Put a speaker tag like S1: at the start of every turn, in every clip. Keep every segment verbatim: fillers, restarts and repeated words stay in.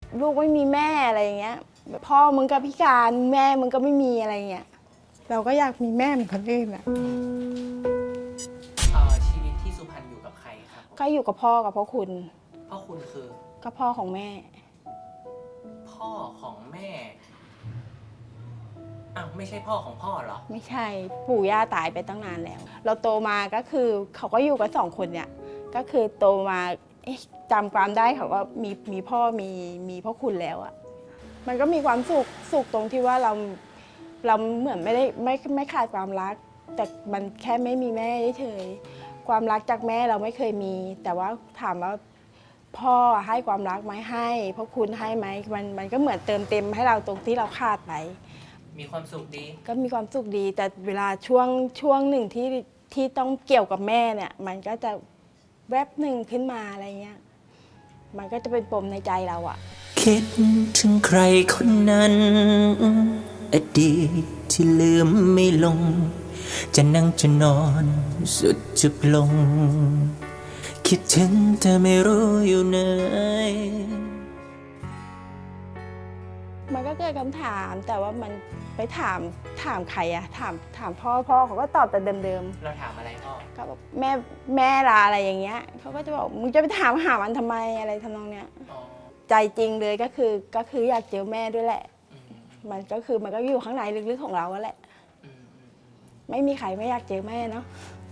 S1: ลูกไม่มีแม่อะไรอย่างเงี้ยพ่อมึงก็พิการแม่มึงก็ไม่มีอะไรเงี้ยเราก็อยากมีแม่เหมือนคนอื่นอ่ะ
S2: ชีวิตที่สุพรรณอยู่กับใครครับ
S1: ก็อยู่กับพ่อกับพ่อคุณ
S2: พ่อคุณคือ
S1: ก็พ่อของแม่
S2: พ่อของแม่อ้าวไม่ใช่พ่อของพ่อเหรอ
S1: ไม่ใช่ปู่ย่าตายไปตั้งนานแล้วเราโตมาก็คือเขาก็อยู่กันสองคนเนี่ยก็คือโตมาจำความได้เขาว่ามีมีพ่อมีมีพ่อคุณแล้วอ่ะมันก็มีความสุขสุขตรงที่ว่าเราเราเหมือนไม่ได้ไม่ไม่ขาดความรักแต่มันแค่ไม่มีแม่เฉยความรักจากแม่เราไม่เคยมี แต่ว่าถามว่าพ่อให้ความรักไหมให้พ่อคุณให้ไหมมันมันก็เหมือนเติมเต็มให้เราตรงที่เราขาดไป
S2: มีความสุขดี
S1: ก็มีความสุขดีแต่เวลาช่วงช่วงหนึ่งที่ที่ต้องเกี่ยวกับแม่เนี่ยมันก็จะแวบหนึ่งขึ้นมาอะไรเงี้ยมันก็จะเป็นปมในใจเราอะ
S3: คิดถึงใครคนนั้นอดีตที่ลืมไม่ลงจะนั่งจะนอนสุดจุกลงคิดถึงแต่ไม่รู้อยู่ไหน
S1: มันก็เกิดคำถามแต่ว่ามันไปถามถามใครอะถามถามพ่อพ่อเขาก็ตอบแต่เดิม
S2: ๆเราถามอะไรพ่อ
S1: ก็บอกแม่แม่ลาอะไรอย่างเงี้ยเขาก็จะบอกมึงจะไปถามหามันทำไมอะไรทำนองเนี้ยใจจริงเลยก็คือก็คืออยากเจอแม่ด้วยแหละมันก็คือมันก็อยู่ข้างในลึกๆของเราแหละไม่มีใครไม่อยากเจอแม่เนาะ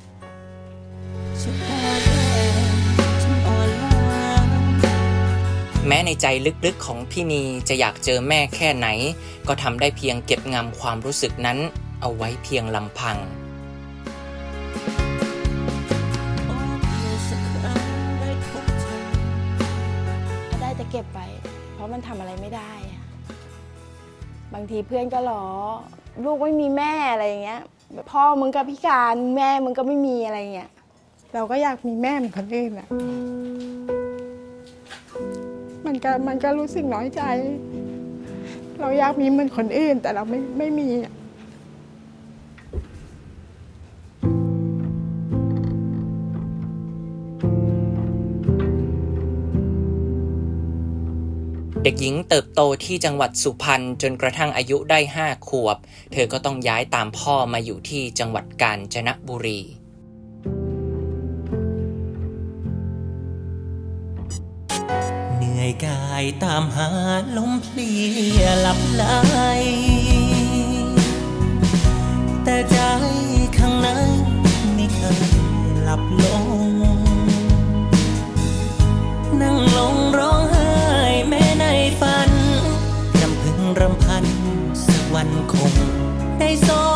S2: แม้ในใจลึกๆของพี่นีจะอยากเจอแม่แค่ไหนก็ทำได้เพียงเก็บงำความรู้สึกนั้นเอาไว้เพียงลำพัง
S1: ได้แต่เก็บไปเพราะมันทำอะไรไม่ได้บางทีเพื่อนก็ล้อลูกไม่มีแม่อะไรอย่างเงี้ยพ่อมึงก็พิการแม่มึงก็ไม่มีอะไรเงี้ยเราก็อยากมีแม่เหมือนคนอื่นอะมันก็มันก็รู้สึกน้อยใจเราอยากมีเหมือนคนอื่นแต่เราไม่ไม่มี
S2: เด็กหญิงเติบโตที่จังหวัดสุพรรณจนกระทั่งอายุได้ห้าขวบเธอก็ต้องย้ายตามพ่อมาอยู่ที่จังหวัดกาญจนบุรี
S3: เหนื่อยกายตามหาลมเพลียหลับไหลแต่ใจข้างในไม่เคยหลับลงนั่งลงร้องไห้แม้ในฝันรำพึงรำพันสักวันคงได้ส